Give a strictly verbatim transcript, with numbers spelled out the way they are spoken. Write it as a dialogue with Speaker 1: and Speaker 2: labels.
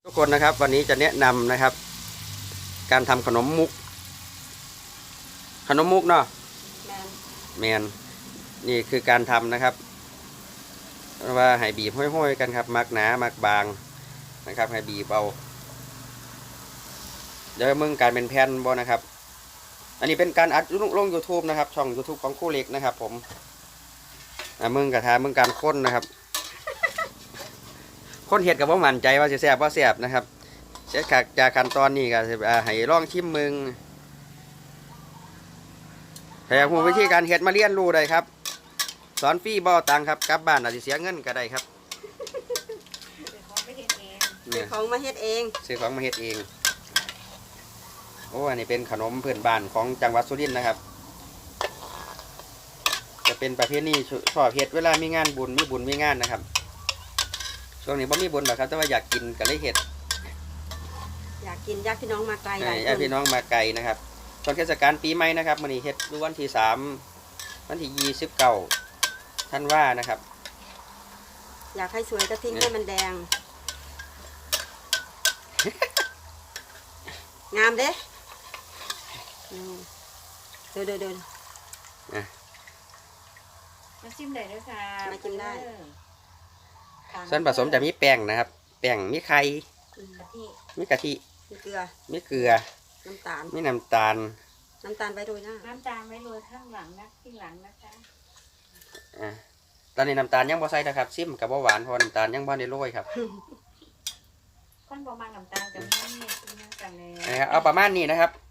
Speaker 1: ทุกคนนะครับวันนี้จะแนะนำนะครับ การทำขนมมุก ขนมมุกเนาะแมนแมนนี่คือการทำนะครับว่าให้บีบห้อยๆกันครับมักหนามักบางนะครับให้บีบเอาเดี๋ยวมึงการเป็นแผ่นบ่นะครับอันนี้เป็นการอัดลง ยูทูบ นะครับช่อง ยูทูบ ของครูเล็กนะครับผมมึงกระทามึงการค้นนะครับค้นเห็ดกับว่ามั่นใจว่าจะแซ่บว่าแซ่บนะครับเช็คจากขั้นตอนนี้ก็ให้ลองชิมมึงถ้าอยากรู้วิธีการเห็ดมาเรียนรู้ได้ครับสอนฟรีบ่ตังครับกลับบ้านอาจจะเสียเงินก็ได้ครับ
Speaker 2: ซื้อของมาเฮ็ดเอง
Speaker 1: ซื้อของมาเฮ็ดเองโอ้อันนี้เป็นขนมพื้นบ้านของจังหวัดสุรินทร์นะครับจะเป็นประเภทนี้ชอบเฮ็ดเวลามีงานบุญมีบุญมีงานนะครับช่วงนี้บ่มีบุญหรอกครับแต่ว่าอยากกินก็เลยเฮ็ด
Speaker 2: อยากกินญาติพี่น้องมาไกลหลายคน
Speaker 1: ญาติพี่น้องมาไกลนะครับช่วงเทศกาลปีใหม่นะครับมื้อนี้เฮ็ดดูวันที่สามวันที่ยี่สิบเก้าธันวานะครับ
Speaker 2: อยากให้สวยก็ทิ้งให้มันแดงงามเด้เดินเดินเดิน
Speaker 3: มาชิมได้ด้วยค่ะ
Speaker 2: มากินได้
Speaker 1: ส่วนผสมจะมีแป้งนะครับแป้งมีไข่มีกะทิ
Speaker 2: มีเกลือ
Speaker 1: มีเกลือ
Speaker 2: น้ำตาล
Speaker 1: มีน้ำตาล
Speaker 2: น้ำตาลไว้โรยหน้า
Speaker 3: น้ำตาลไว้โรยข้างหลังนะข้างหลังนะคะ
Speaker 1: อ่าตอนนี้น้ำตาลยังบ่ใส่นะครับซิมกับบ่หวานเพราะน้ำตาลยังบ่ได้โรยครับ
Speaker 3: คนประมาณน้ำตาลกับนี่กินกันเลย
Speaker 1: นะครับเอาประมาณนี้นะครับ